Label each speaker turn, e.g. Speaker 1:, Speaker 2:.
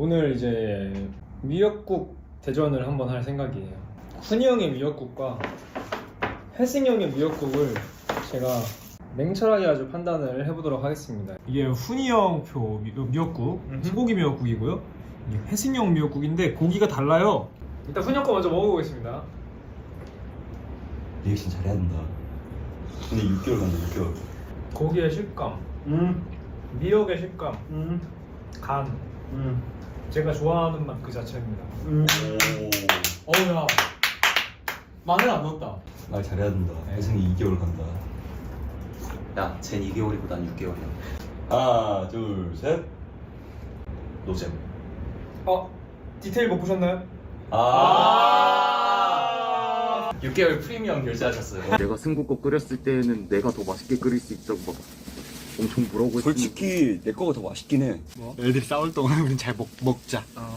Speaker 1: 오늘 이제 미역국 대전을 한번 할 생각이에요. 훈이 형의 미역국과 혜승이 형의 미역국을 제가 냉철하게 아주 판단을 해보도록 하겠습니다. 이게 훈이 형표 미역국, 소고기 미역국이고요. 이게 혜승이 형 미역국인데 고기가 달라요. 일단 훈이 형 거 먼저 먹어보겠습니다.
Speaker 2: 리액션 잘해야 된다. 근데 6개월 간다 6개월.
Speaker 1: 고기의 식감, 미역의 식감, 간, 제가 좋아하는 맛 그 자체입니다. 어우야, 마늘 안 넣었다.
Speaker 2: 말 잘해야 된다. 혜승이 2개월 간다.
Speaker 3: 야, 쟨 2개월이고 난 6개월이야.
Speaker 2: 하나 둘 셋.
Speaker 3: 노잼.
Speaker 1: 디테일 못 보셨나요?
Speaker 3: 6개월 프리미엄 결제하셨어요.
Speaker 4: 내가 승국거 끓였을 때는 내가 더 맛있게 끓일 수 있다고 막 엄청 뭐라고 했으니까.
Speaker 2: 솔직히 내 거가 더 맛있긴 해.
Speaker 4: 애들이 싸울 동안 우린 잘 먹자.